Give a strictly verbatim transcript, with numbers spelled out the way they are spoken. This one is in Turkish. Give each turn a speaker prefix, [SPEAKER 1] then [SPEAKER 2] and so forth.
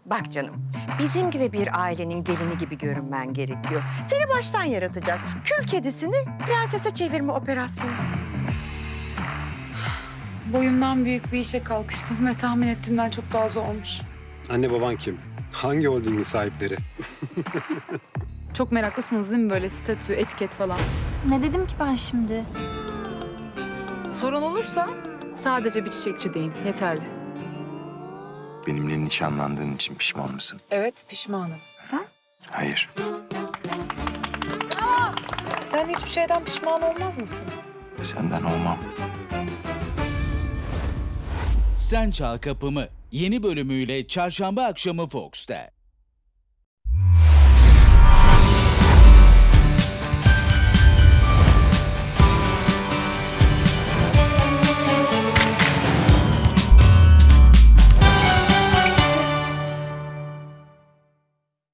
[SPEAKER 1] Bak canım, bizim gibi bir ailenin gelini gibi görünmen gerekiyor. Seni baştan yaratacak. Kül kedisini prensese çevirme operasyonu.
[SPEAKER 2] Boyumdan büyük bir işe kalkıştım ve tahmin ettiğimden çok daha zormuş.
[SPEAKER 3] Anne baban kim? Hangi holdingin sahipleri?
[SPEAKER 2] Çok meraklısınız değil mi böyle statü, etiket falan?
[SPEAKER 4] Ne dedim ki ben şimdi?
[SPEAKER 2] Sorun olursa sadece bir çiçekçi deyin, yeterli.
[SPEAKER 5] Benimle nişanlandığın için pişman mısın?
[SPEAKER 2] Evet, pişmanım. Sen?
[SPEAKER 5] Hayır.
[SPEAKER 2] Sen hiçbir şeyden pişman olmaz mısın?
[SPEAKER 5] Senden olmam.
[SPEAKER 6] Sen Çal Kapımı yeni bölümüyle çarşamba akşamı Fox'ta.